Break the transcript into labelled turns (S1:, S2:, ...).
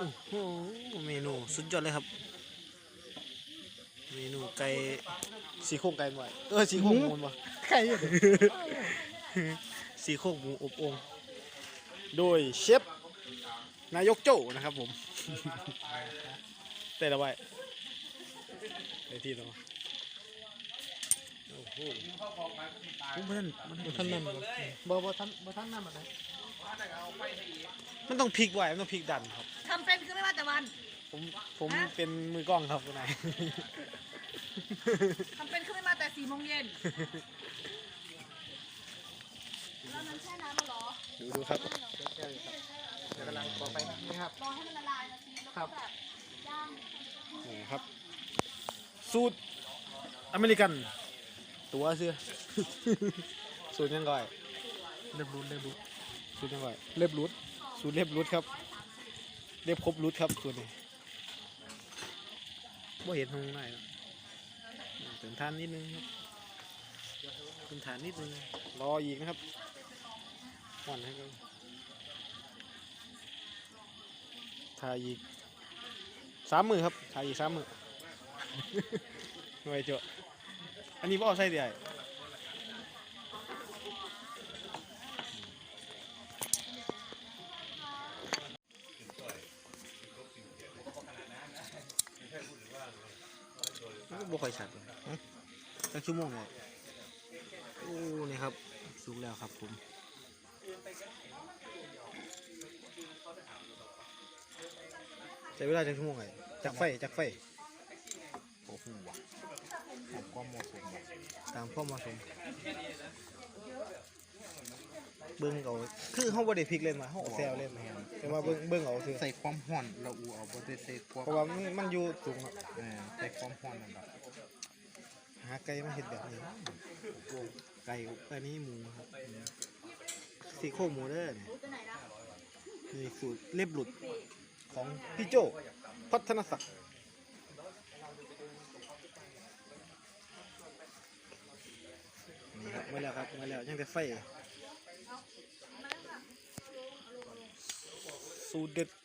S1: โอ้โหเมนูสุดยอดเลยครับเมนูไก่สีโครงไก่หน่อยสีโครงหมูวะ
S2: ไข่เนี่ย
S1: สีโครงหมูอบโอ่งโดยเชฟนายกโจ้นะครับผมแต่ละไว้ในที่เราโอ้โห
S2: ท่านนั่นบ่ท่านนั่นอะไร
S1: มันต้องพลิกไว้มันต้องพลิกดันครับ
S3: ทำเป็นคือไม่ว่าแต่วัน
S1: ผมเป็นมือกล้องครับคุณนาย
S3: ทำเป็นคือไม่มาแต่4 โมงเย็นแล้วนั้นแช่น้ำมาหรอ
S1: ดูครับ
S2: กำลังขอไปนะครับ
S3: รอให้มันละลายนะทีแล้วก็แบบย่าง
S1: โอ้ครับ สูตรอเมริกัน ตัวเสื้อ สูตรยังไง
S2: เล็บรูด
S1: สูตรยังไง
S2: เล็บรูด
S1: สูตรเรียบรุดครับเรียบครบรุดครับสูตรนี้บ่เห็นทางไหนหรอกเติมทานนิดนึงครับเติมทานนิดนึงรออีกนะครับหว่านให้กันทาอีก3 มือครับทาอีก3 มือ หน่วยเจาะอันนี้บ่เอาใส่ได้บ่ค่อยชัดเลยตั้งชั่วโมงเลยโอ้นี่ครับสุกแล้วครับผมใช้เวลาจังชั่วโมงไงจากไฟโอ้โห
S2: ผมก็เหมาะสม
S1: ตามข้อเหมาะสมเบิ้งเอาคือเขาบ่ได้พลิกเล่นมาเขาเอาแซวเล่นมาแต่ว่าเบิ้งเอาคือ
S2: ใส่ความห่อนเราอูเอาบ่ได้ใส่ความ
S1: เพราะว่ามันอยู่สูงอะ
S2: ใส่ความห่อนนั่นแหละ
S1: หาไก่มาเห็ดแบบนี้โอ้ไก่อันนี้หมูครับสีโครงหมูเด้อเนี่ยนี่สูตรเล็บหลุดของพี่โจพัฒนศักดิ์นี่ครับมาแล้วครับมาแล้วยังแต่ไฟสูตรเด็ด